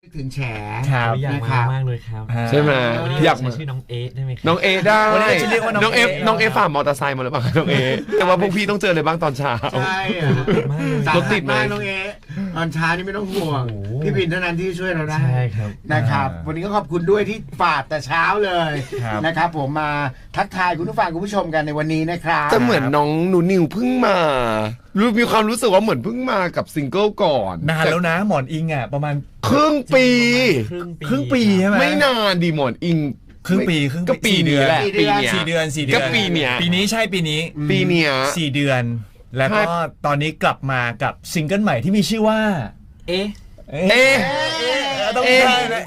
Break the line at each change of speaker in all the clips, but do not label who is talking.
ถึงแฉ
อยากมามากเลยครับ
ใช่ไหม
อยากชื่อน้องเอได้ไหม
น้องเอได้
วันนี้จะเรียกว่า
น้องเอฝ่ามอเตอร์ไซค์มาหรือเปล่าน้องเอแต่ว่าพวกพี่ต้องเจอเลยบ้างตอนเช้า
ใช่รถติดมากน้องเอตอนเช้านี่ไม่ต้องห่วงพี่บินเท่านั้นที่ช่วยเราได้
ใช่ครับ
นะครับวันนี้ก็ขอบคุณด้วยที่ฝากแต่เช้าเลยนะครับผมมาทักทายคุณผู้ฟังคุณผู้ชมกันในวันนี้นะครับ
แต่เหมือนน้องหนูนิวเพิ่งมามีความรู้สึกว่าเหมือนเพิ่งมากับซิงเกิลก่อน
นานแล้วนะหมอนอิงอ่ะประมาณ
ครึ่งปี
ใช่ไหม
ไม่นานดีหมอนอิง
ครึ่งปี
ก็ปีนี้แหละ
4 เดือน
ก็ปีเนี้ย
ปีนี้ใช่ปีนี้4 เดือนแล้วก็ตอนนี้กลับมากับซิงเกิลใหม่ที่มีชื่อว่าต้องใช่นะ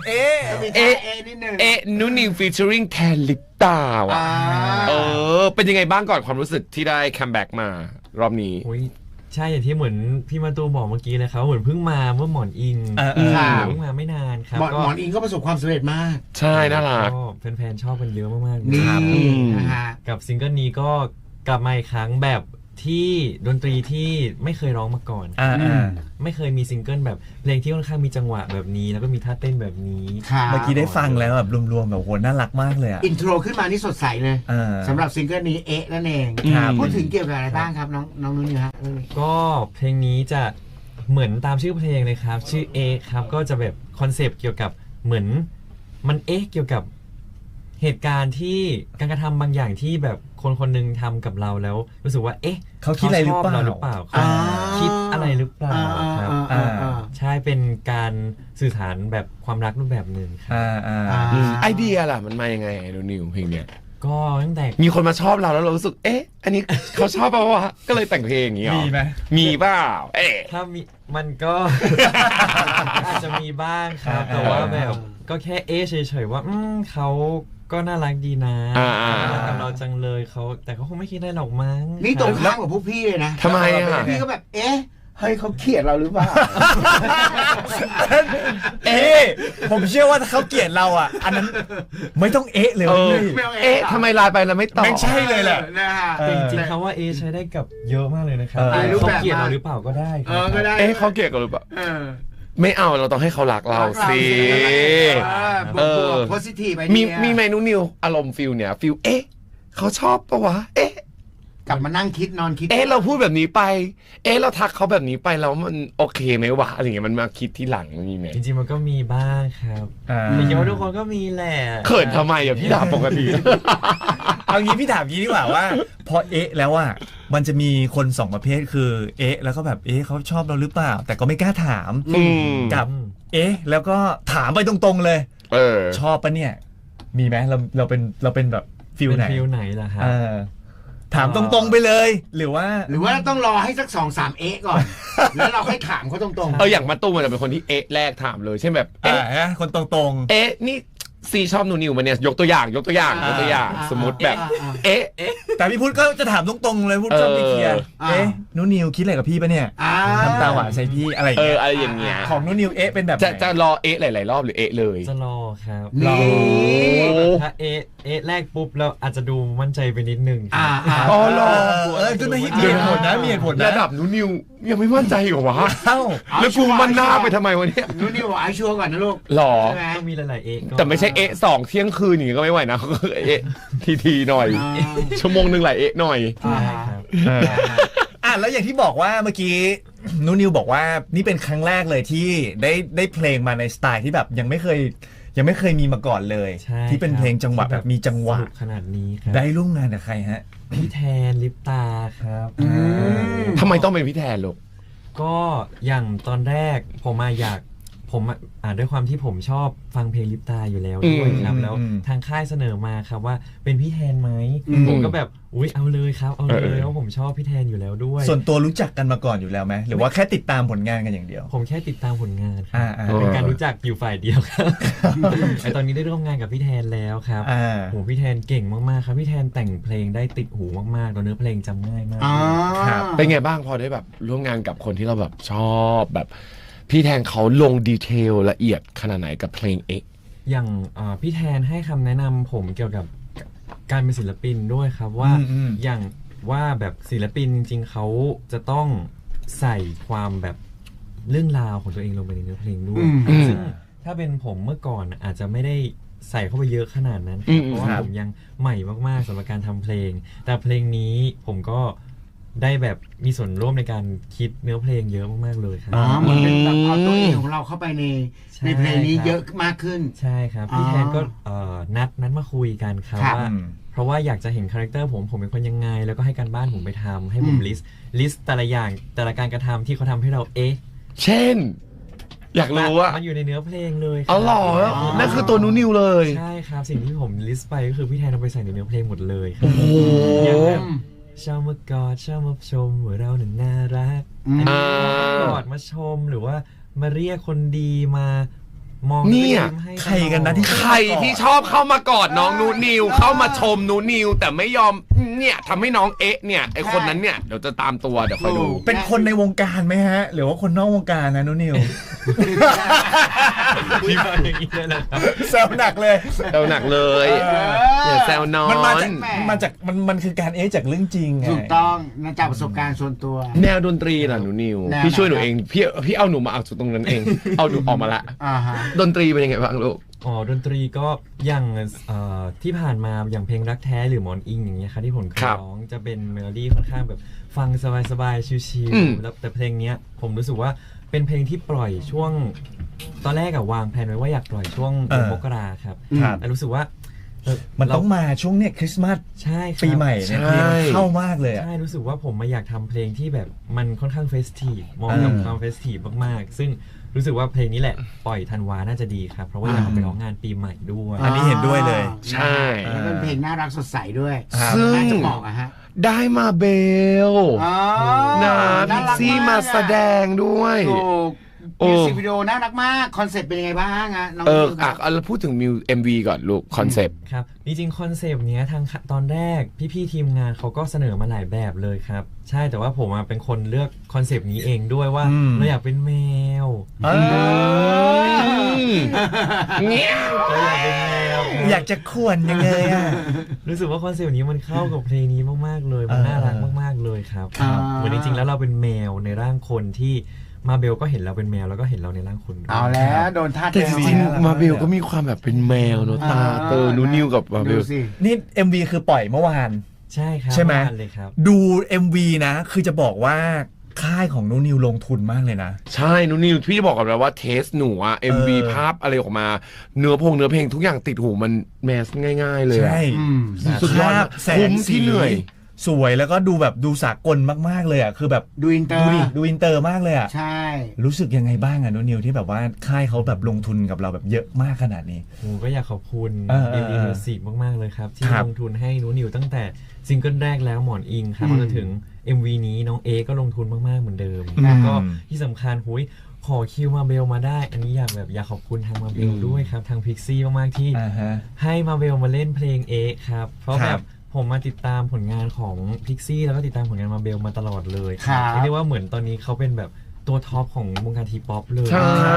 นูนิวฟีเจอริงแทนลิปตาว่ะเป็นยังไงบ้างก่อนความรู้สึกที่ได้คัมแบ็กมารอบนี้
ใช่อย่างที่เหมือนพี่มาตูบอกเมื่อกี้เลยครับเหมือนเพิ่งมาเมื่อหมอนอิงเพิ่งมาไม่นานครับ
หมอนอิงก็ประสบความสำเร็จมาก
ใช่น่ารัก
แฟนๆชอบกันเยอะมาก
ๆนี่
กับซิงเกิลนี้ก็กลับมาอีกครั้งแบบที่ดนตรีที่ไม่เคยร้องมาก่อนไม่เคยมีซิงเกิลแบบเพลงที่ค่อนข้างมีจังหวะแบบนี้แล้วก็มีท่าเต้นแบบนี้
เมื่อกี้ได้ฟังแล้วแบบรวมๆแบบโหน่ารักมากเลย
อินโทรขึ้นมานี่สดใสเลยสำหรับซิงเกิลนี้นั่นเองพูดถึงเกี่ยวกับอะไรบ้างครับน้องนุ่นฮะ
ก็เพลงนี้จะเหมือนตามชื่อเพลงเลยครับชื่อครับก็จะแบบคอนเซปต์เกี่ยวกับเหมือนมันเกี่ยวกับเหตุการณ์ที่การกระทำบางอย่างที่แบบคนหนึ่งทำกับเราแล้วรู้สึกว่า
เขาคิดอะไรหรือเปล่า
คิดอะไรหรือเปล่าครับใช่เป็นการสื่อสารแบบความรักรูปแบบหนึ่งครับ
ไอเดียล่ะมันมายังไงนิวเพลงเนี้ย
ก็ตั้งแต่
มีคนมาชอบเราแล้วเรารู้สึกอันนี้เขาชอบเปล่าวะก็เลยแต่งเพลงอย่างนี้หรอ
มีไหม
มีเปล่า
ถ้ามีมันก็อาจจะมีบ้างครับแต่ว่าแบบก็แค่เฉยๆว่าเขาก็น่ารักดีนะรักกับเราจังเลยแต่เขาคงไม่คิดได้หรอกมั้ง
นี่ตรงข้ามกับพวกพี่เลยนะ
ทำไม
พี่ก็แบบเฮ้ยเขาเกลียดเราหรือเปล่า
ผมเชื่อว่าถ้าเขาเกลียดเราอ่ะอันนั้นไม่ต้องเลย
ทำไมไลน์ไปแล้วไม่ตอบ
ไม่ใช่เลยแหละ
จริงๆคำว่าใช้ได้กับเยอะมากเลยนะครับเขาเกลียดเราหรือเปล่าก็ได้
ก็ได้
เขาเกลียดเราหรือเปล่าไม่เอาเราต้องให้เขารักเราสิ
positive
มีเมนูนิวอารมณ์ฟิลเนี่ยฟิลเขาชอบปะวะ
กลับมานั่งคิดนอนคิด
เราพูดแบบนี้ไปเราทักเขาแบบนี้ไปแล้วมันโอเคไหมวะอะไรเงี้ยมันมาคิดที่หลังมีไหม
จริงๆมันก็มีบ้างครับแต่คิดว่าทุกคนก็มีแหละ
เขินทำไมพี่ถามปกติ
เอางี้พี่ถามงี้ดีกว่าว่าพอแล้วอ่ะมันจะมีคน2ประเภทคือแล้วก็แบบเขาชอบเราหรือเปล่าแต่ก็ไม่กล้าถามกับแล้วก็ถามไปตรงๆเลยชอบปะเนี่ยมีไหมเราเป็นแบบฟิล
ไหนล่ะครับ
ถามตรงๆไปเลยหรือว่า
ต้องรอให้สัก2-3ก่อนแล้วเราค่อยถามเขาตรง
ๆอย่างมาตุ้มมันจะเป็นคนที่แรกถามเลยเช่นแบบ
คนตรง
ๆนี่ซีชอบนูนิวมาเนี่ยยกตัวอย่างสมมติแบบ
แต่พี่พุทธก็จะถามตรงๆเลยพุทธชอบไปเคลียร์นูนิวคิดอะไรกับพี่ปะเนี่ยทำตาหวานใส่พี่อะไร
อย่างเงี้ย
ของนูนิวเป็นแบบ
จะรอหลายๆรอบหรือเลย
จะรอครับถ้าแรกปุ๊บแล้วอาจจะดูมั่นใจไปนิดนึง
รอ
ก็ไม่มีเหตุผลนะมีเหตุผลนะ
ระดับนูนิวยังไม่มั่นใจอยู่วะแล้วกูมันหน้าไปทำไมวะเนี่ย
นูนิวไอชัวร์ก่อนนะลูก
หรอ
ต้องมีหลาย
แต่ไม่ใช่2เที่ยงคืนอย่างงี้ก็ไม่ไหวนะทีหน่อยชั่วโมงนึงหลายหน่อย
แล้วอย่างที่บอกว่าเมื่อกี้นูนิวบอกว่านี่เป็นครั้งแรกเลยที่ได้เพลงมาในสไตล์ที่แบบยังไม่เคยมีมาก่อนเลยที่เป็นเพลงจังหวะแบบมีจังหวะ
ขนาดนี้ครับ
ได้ร่วมงานกับใครฮะ
พี่แทนลิปตาครับ
ทำไมต้องเป็นพี่แทนลูก
ก็อย่างตอนแรกผมด้วยความที่ผมชอบฟังเพลงลิปตาอยู่แล้วด้วยครับแล้วทางค่ายเสนอมาครับว่าเป็นพี่แทนไหมผมก็แบบเอาเลยครับเอาเลยเพราะผมชอบพี่แทนอยู่แล้วด้วย
ส่วนตัวรู้จักกันมาก่อนอยู่แล้วไหมหรือว่าแค่ติดตามผลงานกันอย่างเดียว
ผมแค่ติดตามผลงานเป็นการรู้จักอยู่ฝ่ายเดียวครับตอนนี้ได้ร่วมงานกับพี่แทนแล้วครับโหพี่แทนเก่งมากๆครับพี่แทนแต่งเพลงได้ติดหูมากๆตัวเนื้อเพลงจำง่ายมาก
เป็นไงบ้างพอได้แบบร่วมงานกับคนที่เราแบบชอบแบบพี่แทนเขาลงดีเทลละเอียดขนาดไหนกับเพลง
อย่างพี่แทนให้คำแนะนำผมเกี่ยวกับการเป็นศิลปินด้วยครับว่าอย่างว่าแบบศิลปินจริงๆเขาจะต้องใส่ความแบบเรื่องราวของตัวเองลงไปในเนื้อเพลงด้วยซึ่งถ้าาเป็นผมเมื่อก่อนอาจจะไม่ได้ใส่เข้าไปเยอะขนาดนั้นครับเพราะว่าผมยังใหม่มากๆสำหรับการทำเพลง แต่เพลงนี้ผมก็ได้แบบมีส่วนร่วมในการคิดเนื้อเพลงเยอะมากๆเลยครับ
อ๋อเหมือนเป็นแบบเอาตัวเองของเราเข้าไปใน
ใช่
ในเพลงนี้
ครับ
เยอะมากขึ้น
ใช่ครับพี่แทนก็นัดมาคุยกันครับ
ครับ
ว่าเพราะว่าอยากจะเห็นคาแรคเตอร์ผมเป็นคนยังไง แล้วก็ให้การบ้านผมไปทำให้ผมลิสต์แต่ละอย่างแต่ละการกระทำที่เขาทำให้เรา
เช่น อยากรู้อะ
มันอยู่ในเนื้อเพลงเลย
อ๋อเหรอนั่นคือตัวนูนิวเลย
ใช่ครับสิ่งที่ผมลิสต์ไปก็คือพี่แทนเอาไปใส่ในเนื้อเพลงหมดเลยครับ
โอ้โห
อย่างแบบชอบมากอดชอบมาชมว่าเราหนึ่งน่ารักอันนี้กอดมาชมหรือว่ามาเรียกคนดีมามอง
เนี่ย
ยิ้มให้
ใครกันนะที่
ใครที่ชอบเข้ามากอดน้องนูนิวเข้ามาชมนูนิวแต่ไม่ยอมเนี่ยทำให้น้องเนี่ยไอคนนั้นเนี่ยเดี๋ยวจะตามตัวเดี๋ยวคอยดู
เป็นคนในวงการไหมฮะ หรือว่าคนนอกวงการนะนุนิว
ที่มาอย่างนี้เลยนะครับ
แซวหนักเลย
แซวหนักเลยอย่าแซวน้อง
มันมาจากมันคือการจากเรื่องจริงไง
ถูกต้องนะจากประสบการณ์ส่วนตัว
แนวดนตรีล่ะหนูนิว
แนว
พี่ช่วยหนู
ไหนครับ
เองพี่เอาหนูมาเอาจุดตรงนั้นเอง เอาหนูออกมาละ
อ่าฮะ
ดนตรีเป็นยังไงบ้างลูก
อ๋อดนตรีก็อย่างที่ผ่านมาอย่างเพลงรักแท้หรือหมอนอิงอย่างเงี้ยครับที่ผมเคย
ครับ
ร้องจะเป็นเมโลดี้ค่อนข้างแบบฟังสบายๆชิล
อืม
ๆแล้วแต่เพลงเนี้ยผมรู้สึกว่าเป็นเพลงที่ปล่อยช่วงตอนแรกอะวางแผนไว้ว่าอยากปล่อยช่วงเดือนมกราครับ
ครับ
แต่รู้สึกว่า
มันต้องมาช่วงเนี้ยคริสต์มาส
ใช่ครับ
ปีใหม่เนี่ยเพลงมันเข้ามากเลยอะ
ใช่รู้สึกว่าผมมาอยากทำเพลงที่แบบมันค่อนข้างเฟสทีฟมองกับความเฟสทีฟมากๆซึ่งรู้สึกว่าเพลงนี้แหละปล่อยธันวาน่าจะดีครับเพราะว่าอยากเอาไปร้องงานปีใหม่ด้วย
อันนี้เห็นด้วยเลย
ใช่
แล้วเป็นเพลงน่ารักสดใสด้วย
ซึ่ง
น่าจะบอกอะฮะ
ได้มาเบล
อ๋อ
นะ
น่า
พิก
รัก
ซี่
ก
มา
อะ
แสดงด้วย
ถูก
โอ้
มิวสิกวิดีโอน่ารักมาก คอนเซ็ปต์เป็นยังไงบ้างอะน้อง
อ่ะ
นิวครับ
เราพูดถึงมิว MV ก่อนลูกคอนเซปต์
ครับจริงๆคอนเซปต์เนี้ยทางตอนแรกพี่ๆทีมงานเขาก็เสนอมาหลายแบบเลยครับใช่แต่ว่าผมเป็นคนเลือกคอนเซปต์นี้เองด้วยว่าเราอยากเป็นแมว
เนี่ย
เราอยากเป็นแมว
อยากจะข่วนยังไงอะ
รู้สึกว่าคอนเซปต์นี้มันเข้ากับเพลงนี้มากๆเลยมันน่ารักมากๆเลยครับ
ครับ
เหมือนจริงๆแล้วเราเป็นแมวในร่างคนที่มาเบลก็เห็นเราเป็นแมวแล้วก็เห็นเราในร่างคนด้วย
เอาแล้วโดนท่า
แต่จริง
แมว
ๆมาเบลก็มีความแบบเป็นแมวเนอะตาเตอนูนิวกับมาเบ
ดู
ล
สิ
นี่ MV คือปล่อยเมื่อวาน
ใช่ครับ
ใช่ไหม
ประาณเลยครับ
ดู MV นะ คือจะบอกว่าค่ายของนุนิวลงทุนมากเลยนะ
ใช่นูนิวพี่จะบอกกับเราว่าเทสหนูอะ MV ภาพอะไรออกมา เนื้อเพลงทุกอย่างติดหูมันแมสง่ายๆเลยอะ
ใช่
อืม
สุดยอด
ภาพแส
คุ้
ง
ม
สี
ที่เหนื่อย
สวยแล้วก็ดูแบบดูสากลมากๆเลยอ่ะคือแบบ
ดูอินเตอ
ดู
ร์
ดิดูอินเตอร์มากเลยอ่ะ
ใช่
รู้สึกยังไงบ้างอ่ะนุนิวที่แบบว่าค่ายเขาแบบลงทุนกับเราแบบเยอะมากขนาดนี้
ผมก็อยากขอบคุณ
เออ
ดีมิวสิกมากๆเลยครับ ที่
ครับ
ลงทุนให้หนูนิวตั้งแต่ซิงเกิลแรกแล้วหมอนอิงครับจนถึง MV นี้น้องเอก็ลงทุนมากๆเหมือนเดิมแล้วก็ที่สำคัญหุยขอคิวมาเบลมาได้ อันนี้อยากขอบคุณทางมาเบลด้วยครับ ทางพิกซี่มากๆที่
อ่าฮะ
ให้มาเบลมาเล่นเพลงเอครับ เพราะ
ค
แบ
รั
บบ ผมมาติดตามผลงานของพิกซี่แล้วก็ติดตามผลงานมาเบลมาตลอดเลย
ครับ
เรียกได้ว่าเหมือนตอนนี้เขาเป็นแบบตัวท็อปของวงการทีป๊อปเลย
ใช่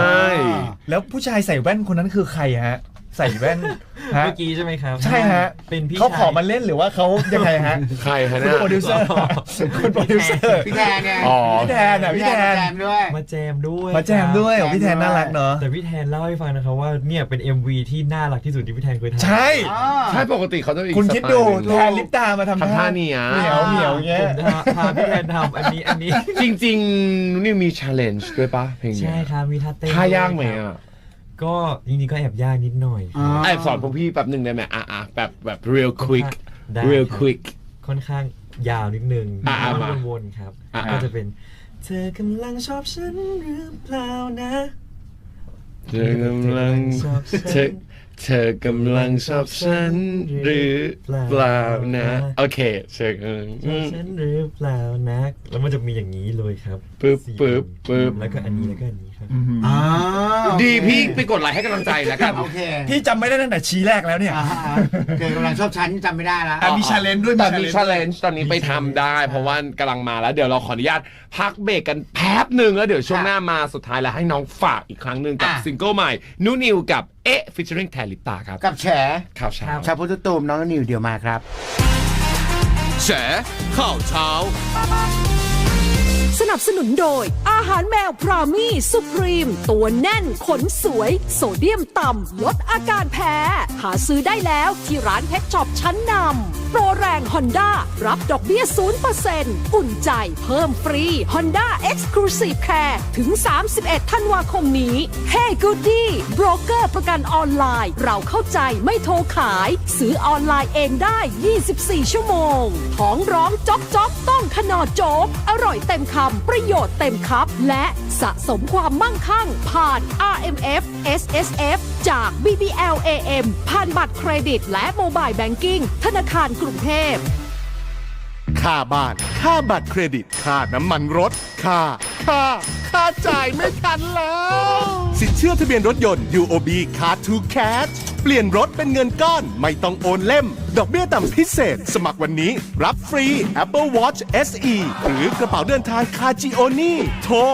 แล้วผู้ชายใส่แว่นคนนั้นคือใครฮะ ใส่แว่นฮะ
เมื่อกี้ใช่ไหมครับ
ใช่ฮะ
เป็นพี่
เขาขอ
ชาย
มาเล่นหรือว่าเขายังไงฮะ
ใครฮะ
คุณ
เนี่ย
โปรดิวเซอร์คุณโปรดิวเซอร์
พี่แทนเนี่ย
อ๋อ
พี่แทนอ่ะพี่แทน
แจมด้วย
มาแจมด้วย
มาแจมด้วยของพี่แทนน่ารักเนาะ
แต่พี่แทนเล่าให้ฟังนะครับว่าเนี่ยเป็น MV ที่น่ารักที่สุดที่พี่แทนเคยทำ
ใช่
ใช่ปกติเขาจะอีก
คุณคิดดู
สไตล์หนึ่ง
แทนลิปตามาทำ
ทำท่าเนี่ย
เหมียวเหมียวเงี้
ผ
ย
มจะพาพี่แทนทำอันนี้
จริงๆนูนิวมี challenge ด้วยปะเพลงเนี้
ใช่ครับมีท่าเต้น
ท่ายากไหม
ด้วยครั
อ่ะ
บก็จริงๆก็แอบยากนิดหน่อยค
อ๋
รั
อ
บ
แอบสอนพวกพี่แป๊บหนึ่งได้ไหมแบบ real quick
ได้
real
ครับ
quick
ค่อนข้างยาวนิดนึง
มา
มันวนๆครับ ก็จะเป็น เธอกำลังชอบฉันหรือเปล่านะ
เธอกำลัง
ชอบฉัน
เธอกำลังชอบฉันหรือเปล่านะโอเคเธอกำลัง
ชอบฉันหรือเปล่านะแล้วมันจะมีอย่างนี้เลยครับ
ปึ๊บ
สี่
ปึ๊บปึ๊บ
แล้วก็อันนี้แล้วก็อันนี้ครับ
อ๋อ
ดีพี่ไปกดไลค์ให้กำลังใจแล้วกัน
โอเค
พี่จำไม่ได้ตั้งแต่ชี้แรกแล้วเนี่ย
เกิดกำลังชอบฉันจำไม่ได้แล้ว
อ่ะมี challenge ด้วย
แต่มี
challenge
challenge ตอนนี้ไปทำได้ เพราะว่ากำลังมาแล้วเดี๋ยวเราขออนุญาตพักเบรกกันแป๊บหนึ่งแล้วเดี๋ยวช่วงหน้ามาสุดท้ายแล้วให้น้องฝากอีกครั้งหนึ่งกับ
อ่ะ
ซิงเกิลใหม่นูนิวกับfeaturing แทนลิปตาครับ
กับแฉ
ข่าวเช้า
ชาวพุทธตูมน้องนิวเดี๋ยวมาครับ
แฉข่าวเช้า
แฉ
นับสนุนโดยอาหารแมวพรามี่สุพรีมตัวแน่นขนสวยโซเดียมต่ำลดอาการแพ้หาซื้อได้แล้วที่ร้านเพชรช็อปชั้นนำโปรแรงฮอนด้ารับดอกเบี้ย 0% อุ่นใจเพิ่มฟรี Honda Exclusive Care ถึง 31 ธันวาคมนี้ Hey Goody โบรกเกอร์ประกันออนไลน์เราเข้าใจไม่โทรขายซื้อออนไลน์เองได้ 24 ชั่วโมงท้องร้องจ๊อกจ๊อกต้องขนอโจ๊กอร่อยเต็มคำประโยชน์เต็มคัพและสะสมความมั่งคั่งผ่าน RMF SSF จาก BBLAM ผ่านบัตรเครดิตและโมบายแบงกิ้งธนาคารกรุงเทพ
ค่าบ้าน ค่าบัตรเครดิต ค่าน้ำมันรถ ค่าจ่ายไม่ทันแล้ว สินเชื่อทะเบียนรถยนต์ UOB Car to Cash เปลี่ยนรถเป็นเงินก้อนไม่ต้องโอนเล่ม ดอกเบี้ยต่ำพิเศษ สมัครวันนี้ รับฟรี Apple Watch SE หรือกระเป๋าเดินทางคาจิโอนี่โทร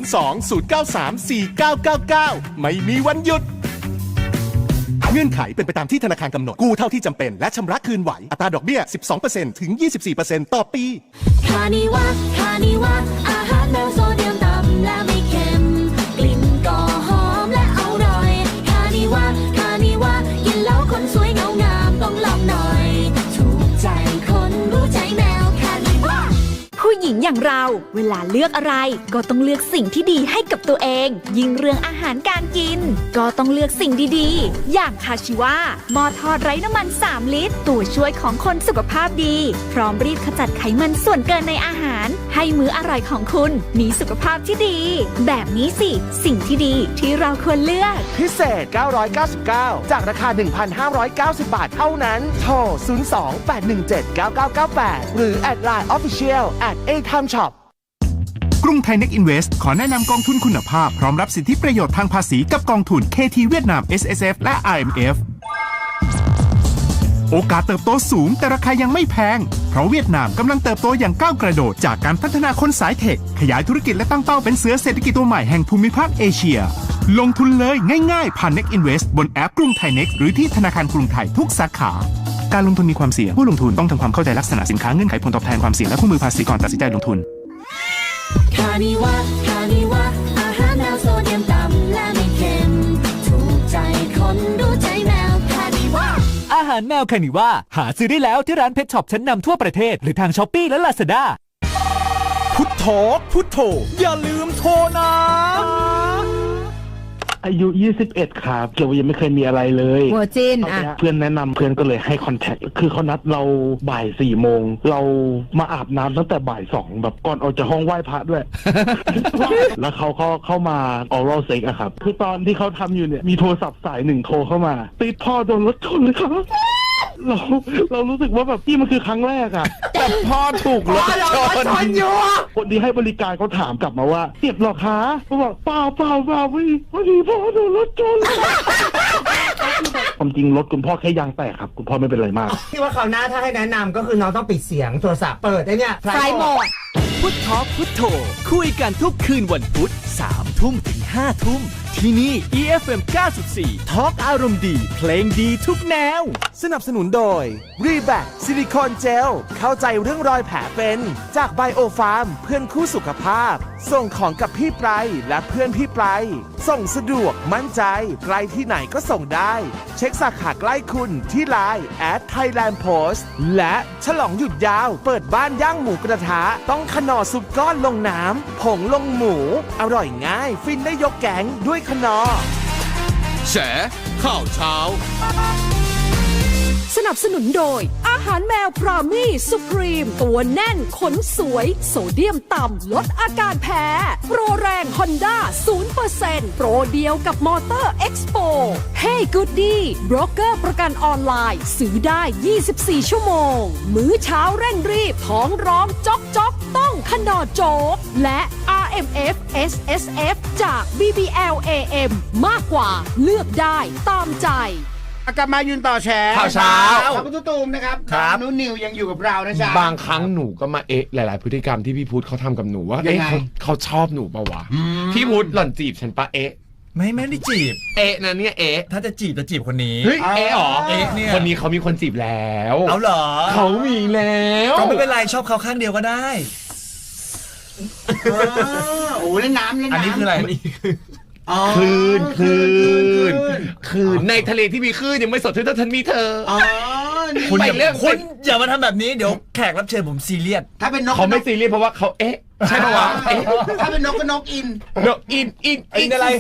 02-093-4999 ไม่มีวันหยุด เงื่อนไขเป็นไปตามที่ธนาคารกำหนดกู้เท่าที่จำเป็นและชำระคืนไหวอัตราดอกเบี้ย 12% ถึง 24% ต่อปี
คานิวะอาหารแมวโซเดียมต่ำและไม่เค็มกลิ่นก็หอมและอร่อยคานิวะกินแล้วคนสวยเงางามต้องลองหน่อยถูกใจคนรู้ใจแมวคานิวะ
ผู้หญิงอย่างเราเวลาเลือกอะไรก็ต้องเลือกสิ่งที่ดีให้กับตัวเองยิ่งเรื่องอาหารการกินก็ต้องเลือกสิ่งดีๆอย่างคาชิวะหม้อทอดไร้น้ำมัน3 ลิตรตัวช่วยของคนสุขภาพดีพร้อมรีดขจัดไขมันส่วนเกินในอาหารให้มื้ออร่อยของคุณมีสุขภาพที่ดีแบบนี้สิสิ่งที่ดีที่เราควรเลือก
พิเศษ 999 จากราคา 1,590 บาทเท่านั้นโทร 02-817-9998 หรือ แอดไลน์ Official @atimeshop
กรุงไทยเน็กอินเวสต์ขอแนะนำกองทุนคุณภาพพร้อมรับสิทธิประโยชน์ทางภาษีกับกองทุน KT เวียดนาม SSF และ IMF โอกาสเติบโตสูงแต่ราคายังไม่แพงเพราะเวียดนามกำลังเติบโตอย่างก้าวกระโดดจากการพัฒนาคนสายเทคขยายธุรกิจและตั้งเป้าเป็นเสือเศรษฐกิจตัวใหม่แห่งภูมิภาคเอเชียลงทุนเลยง่ายๆผ่าน Next Invest บนแอปกรุงไทย Next หรือที่ธนาคารกรุงไทยทุกสาขาการลงทุนมีความเสี่ยงผู้ลงทุนต้องทำความเข้าใจลักษณะสินค้าเงื่อนไขผลตอบแทนความเสี่ยงและคู่มือภาษีก่อนตัดสินใจลงทุน
คานิวะอาหารแมวโซเดียมต่ำและไม่เค็มถูกใจคนรู้ใจแมวคานิวะ
อาหารแมวคานิว่าหาซื้อได้แล้วที่ร้านเพชรช็อปชั้นนำทั่วประเทศหรือทางช้อปปี้และลาซาด้า
พุทโธอย่าลืมโทรนะ
อายุ 21 ครับเกี่ยวยังไม่เคยมีอะไรเลย
หัวจิน
เพื่อนแนะนำเพื่อนก็เลยให้คอนแทคคือเขานัดเราบ่าย 4 โมงเรามาอาบน้ำตั้งแต่บ่าย 2แบบก่อนออกจากห้องไหว้พระด้วย แล้วเขาก็เข้ามาออรัลเซ็กอะครับคือตอนที่เขาทำอยู่เนี่ยมีโทรศัพท์สายหนึ่งโทรเข้ามาติดพ่อโดนรถชนเลยครับเรารู้สึกว่าแบบที่มันคือครั้งแรกอะ
แต่พ่อถูกรถชน
อยู่คนที่ให้บริการเขาถามกลับมาว่าเจ็บหรอคะเขาบอกเปล่าพอดีพ่อโดนรถชนความจริงรถคุณพ่อแค่ยางแตกครับคุณพ่อไม่เป็นไรมาก
ที่ว่าคราวหน้าถ้าให้แนะนำก็คือน้องต้องปิดเสียงโทรศัพท์เปิดได้เนี่ย
ไฟโหมด
พุทโธคุยกันทุกคืนวันพุธ 3 ทุ่มถึง 5 ทุ่มที่นี่ EFM 94 ทอล์กอารมณ์ดีเพลงดีทุกแนว
สนับสนุนโดย Reback ซิลิโคนเจลเข้าใจเรื่องรอยแผลเป็นจากไบโอฟาร์มเพื่อนคู่สุขภาพส่งของกับพี่ไพรและเพื่อนพี่ไพรส่งสะดวกมั่นใจไกลที่ไหนก็ส่งได้เช็คสาขาใกล้คุณที่ไลน์ @thailandpost และฉลองหยุดยาวเปิดบ้านย่างหมูกระทะต้องขนอซุปก้อนลงน้ำผงลงหมูอร่อยง่ายฟินได้ยกแกงด้วยขนอ
แฉข่าวเช้า
สนับสนุนโดยอาหารแมวพรามี่สุพรีมตัวแน่นขนสวยโซเดียมต่ำลดอาการแพ้โปรแรงฮอนด้า 0% โปรเดียวกับมอเตอร์เอ็กซ์โป Hey Goody โบรกเกอร์ประกันออนไลน์ซื้อได้ 24 ชั่วโมงมื้อเช้าเร่งรีบท้องร้องจ๊อกต้องขนอโจ๊กและ RMF SSF จาก BBLAM มากกว่าเลือกได้ตามใจ
กลับมายืนต่อแชร์
ข่าวเช้า
ขอบคุณตูมนะครับนุ้นิวยังอยู่กับเรานะจ๊ะ
บางครั้งหนูก็มาหลายๆพฤติกรรมที่พี่พุทธเขาทำกับหนูว่าเขาชอบหนูปะวะพี่พุทธหล่อนจีบฉันปะ
ไม่ได้จีบ
นะเนี่ย
ถ้าจะจีบคนนี้
เฮ้ยหรอ
เนี่ย
คนนี้เขามีคนจีบแล้ว
เอาเหรอ
เขามีแล้ว
ก็ไม่เป็นไรชอบเขาข้างเดียวก็ได้
โอ้เล่นน้ำเล่นน้ำ
อันนี้คืออะไร
อ๋อ
คลื่นในทะเลที่มีคลื่นยังไม่สดเท่าฉันมีเธอ
อ๋อนี่
คุณ
ไป
อย่า
เรื่อง
คุณอย่ามาทำแบบนี้เดี๋ยวแขกรับเชิญผมซีเรียส
ถ้าเป็นนก
เขาไม่ซีเรียสเพราะว่าเขาใช่ปะวะ
ถ้าเป็นนกก็นกอิน
นกอิน
อินอะไร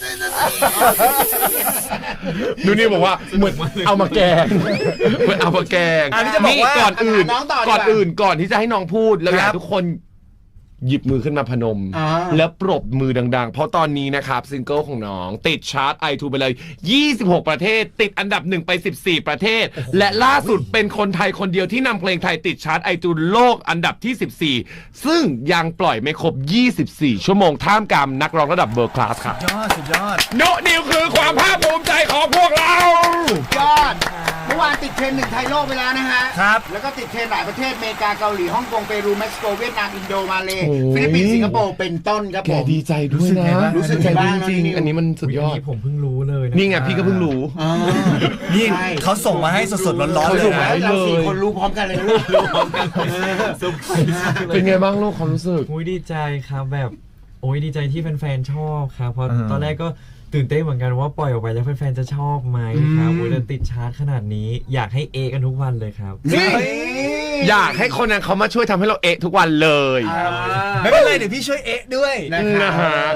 นูนี่บอกว่าเหมือนเอามาแกงเหมือนเอามาแกง
อันนี้จะบอกว่า
ก่อนอื่น
น้องต่อดีกว่า
ก่อนที่จะให้น้องพูดเราอยากให้ทุกคนหยิบมือขึ้นมาพนม แล้วปรบมือดังๆ เพราะตอนนี้นะครับซิงเกิลของน้องติดชาร์ต iTunes ไปเลย 26 ประเทศ ติดอันดับ1ไป14 ประเทศ และล่าสุดเป็นคนไทยคนเดียวที่นำเพลงไทยติดชาร์ต iTunes โลกอันดับที่ 14 ซึ่งยังปล่อยไม่ครบ 24 ชั่วโมงท่ามกลางนักร้องระดับเบอร์คลาสครับ
สุดยอด
โนนิวคือความภาคภูมิใจของพวกเรา
ยอด เมื่อวานติดเทรนด์1ไทยโลกไปแล้วนะฮะ
ครับ
แล้วก็ติดเทรนด์หลายประเทศอเมริกาเกาหลีฮ่องกงเปรูเม็กซิโกเวียดนามอินโดมาเลฟิลิปปินส์สิงคโปร์เป็นต้นครับ
แก
ผม
ดีใจด้วยนะ
รู้สึกไงบ้าง
จริง
น้องนิว
ๆอันนี้มันสุดยอด
นี่ผมเพิ่งรู้เลยะ
นี่ไงพี่ก็เพิ่งรู้
อ๋อ
นี่
ใช่
เขาส่งมาให้สดๆร้อนๆ
เขา
เล
ส่
ย
งมา
นะ
ให้
เรา4คนรู้พร้อมกันเลยนะลูกรู้พร้อมกัน
เป็นไงบ้างลูกความรู้สึก
อุ้ยดีใจครับแบบโอ้ยดีใจที่แฟนๆชอบครับเพราะตอนแรกก็ตื่นเต้นเหมือนกันว่าปล่อยออกไปแล้วแฟนๆจะชอบไหมครับโอ้ยแต่ติดชาร์ตขนาดนี้อยากให้เอกันทุกวันเลยครับ
นี่อยากให้คนนั้นเขามาช่วยทำให้เราทุกวันเลย
ไม่เป็นไรเดี๋ยวพี่ช่วยด้วย
นะฮะ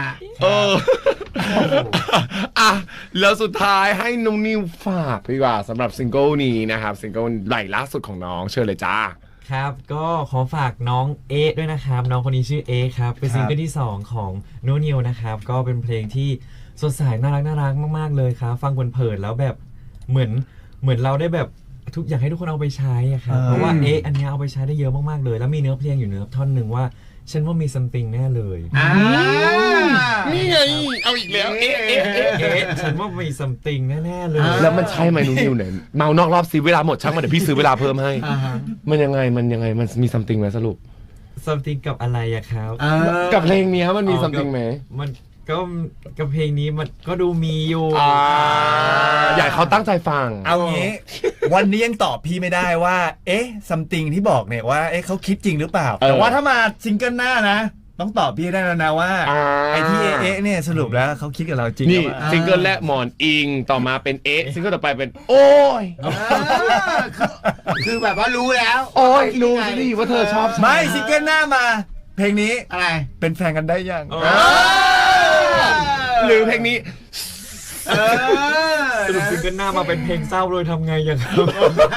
อ่ะแล้วสุดท้ายให้น้องนิวฝากดีกว่าสำหรับซิงเกิลนี้นะครับซิงเกิลใหม่ล่าสุดของน้องเชิญเลยจ้า
ครับก็ขอฝากน้องเอด้วยนะครับน้องคนนี้ชื่อเอครับเป็นซิงเกิลที่2ของโนนิวนะครับก็เป็นเพลงที่สดใสน่ารักมากๆเลยครับฟังเพลินๆแล้วแบบเหมือนเราได้แบบทุกอยากให้ทุกคนเอาไปใช้อะครับเพราะว่าอันเนี้ยเอาไปใช้ได้เยอะมากๆเลยแล้วมีเนื้อเพลงอยู่เนื้อท่อนหนึ่งว่าฉันว่ามี something แน่เลย
นี่ไงเอาอีกแล้ว
ฉันว่ามี something แน่ๆเลย
แล้วมันใช่ไหมน้องนิวเนี่ยเมานอกรอบสิเวลาหมดช่างมันเดี๋ยวพี่ซื้อเวลาเพิ่มให้มันยังไงมันมี something ไหมสรุป
something กับอะไรอะครับ
กับเพลงนี้มันมี something ไหม
มันก็กับเพลงนี้มันก็ดูมีอยู่
อยากเขาตั้งใจฟัง
เอางี้ วันนี้ยังตอบพี่ไม่ได้ว่าซัมติงที่บอกเนี่ยว่าเขาคิดจริงหรือเปล่าแต่ว่าถ้ามาซิงเกิลหน้านะต้องตอบพี่ได้แล้วนะว่าไอ้ที่เนี่ยสรุปแล้วเขาคิดกับเราจริง
นี่ซิงเกิลแรกหมอนอิงต่อมาเป็นซิงเกิลต่อไปเป็นโอ้ย
คือแบบว่ารู้แล้ว
โอ้ยรู้สิว่าเธอชอบ
ไม่ซิงเกิลหน้ามาเพลงนี้
อะไร
เป็นแฟนกันได้ยัง
หรือเพลงนี้
สรุปซิงเกิลหน้ามาเป็นเพลงเศร้าเลยทำไงอย่างครับ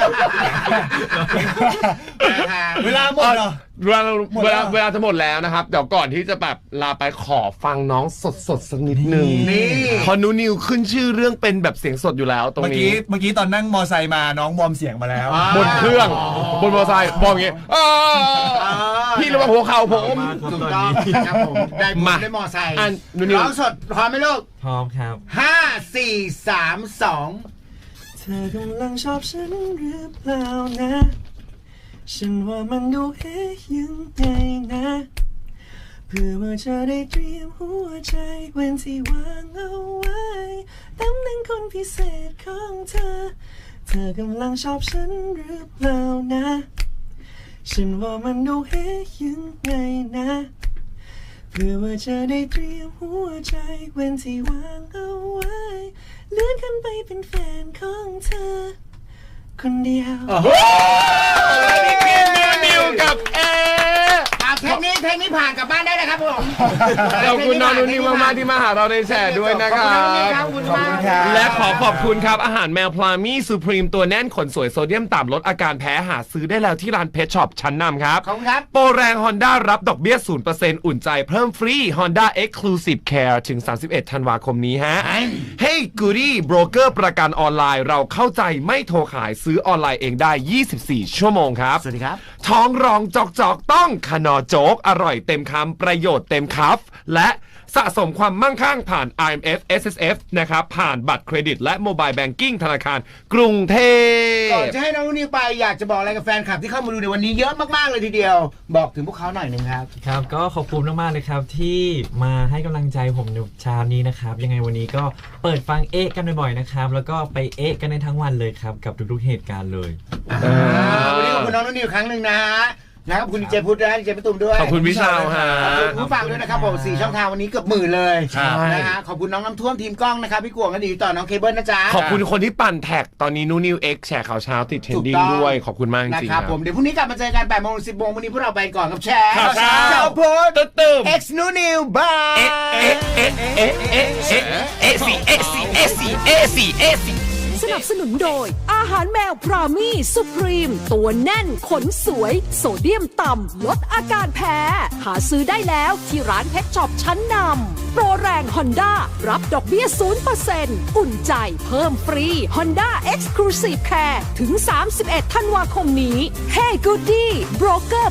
เวลาหมดเหรอ
เวลาจะหมดแล้วนะครับเดี๋ยวก่อนที่จะแบบลาไปขอฟังน้องสดสักนิดนึงพอนูนิวขึ้นชื่อเรื่องเป็นแบบเสียงสดอยู่แล้วตรงนี้
เมื่อกี้ตอนนั่งมอไซค์มาน้องวอร์มเสียงมาแล้ว
บนเครื่องบนมอเตอร์ไซค์บอกอย่างงี้พี่ระวังหัวเข่าผม
ถูกต้องครับผมได้บุญได้มอไซค์ร้องสดพร้อมไหมลูก
พร้อมครับ
5 4 3 2
เธอกำลังชอบฉันหรือเปล่านะฉันว่ามันดูยังไงนะเพื่อว่าจะได้เตรียมหัวใจเว้นที่วางเอาไว้ตำแหน่งคนพิเศษของเธอ กำลังชอบฉันหรือเปล่านะฉันว่ามันดูยังไงนะเพื่อว่าจะได้เตรียมหัวใจเว้นที่วางเอาไว้เลื่อนขึ้นไปเป็นแฟนของเธอคนเดียว
นี่คือนิวกับ
เทคนี้ผ่านกลับบ้านได้เลยครับผม
ขอบคุณน้องนูนิวมากๆที่มาหาเราในแชร์ด้วยนะครับ
ขอบคุณมาก
และขอบคุณครับอาหารแมวพลามี่ซูพรีมตัวแน่นขนสวยโซเดียมต่ำลดอาการแพ้หาซื้อได้แล้วที่ร้านเพชช็อปชั้นนำครับ
ขอบคุณครับ
โปรแรง Honda รับดอกเบี้ย 0% อุ่นใจเพิ่มฟรี Honda Exclusive Care ถึง 31 ธันวาคมนี้ฮะ Hey Goody โบรกเกอร์ประกันออนไลน์เราเข้าใจไม่โทรขายซื้อออนไลน์เองได้ 24 ชั่วโมงครับ
สวัสดีครับ
ท้องร้องจอกต้องคนอโจ๊กอร่อยเต็มคำประโยชน์เต็มคัฟและสะสมความมั่งคั่งผ่าน IMF SSF นะครับผ่านบัตรเครดิตและโมบายแบงกิ้งธนาคารกรุงเทพ
ก่อนจะให้น้องนิวไปอยากจะบอกอะไรกับแฟนคลับที่เข้ามาดูในวันนี้เยอะมากๆเลยทีเดียวบอกถึงพวกเขาหน่อยหนึ่งครับ
ครับก็ขอบคุณมากๆเลยครับที่มาให้กำลังใจผมในเช้านี้นะครับยังไงวันนี้ก็เปิดฟังกันบ่อยๆนะครับแล้วก็ไปกันในทั้งวันเลยครับกับทุกๆเหตุการณ์เลย
วันนี้ขอบคุณน้องนิวครั้งหนึ่งนะฮะนะครับคุณดีเจพุทธนะดีเจพี่ตุ้มด้วย
ขอบคุณพี่ชาวฮะ
ขอบคุณผู้ฟังด้วยนะครับผม4ช่องทางวันนี้เกือบหมื่นเลย
ครับ
นะฮะขอบคุณน้องน้ำท่วมทีมกล้องนะครับพี่กวงก็ดีต่อน้องเคเบิลนะจ๊ะ
ขอบคุณคนที่ปั่นแท็กตอนนี้นูนิว X แชร์ข่าวเช้าติดเทรนดิ้งด้วยขอบคุณมากจ
นะ
ริง
ค
ๆ
รับผมเดี๋ยวพรุ่งนี้กลับมาเจอกัน8 โมง 10 โมงวันนี้พวกเราไปก่อนกับแชร์
ข่าวเช้า
เจ้าพุทธ
ตึ้ม
X นูนิวบาย สนับสนุนโดยอาหารแมวพรามี่สุพรีมตัวแน่นขนสวยโซเดียมต่ำลดอาการแพ้ หาซื้อได้แล้วที่ร้านเพชรช็อปชั้นนำโปรแรง Honda รับดอกเบี้ย 0% อุ่นใจเพิ่มฟรี Honda Exclusive Care ถึง 31 ธันวาคมนี้ Hey Goody โบรกเกอร์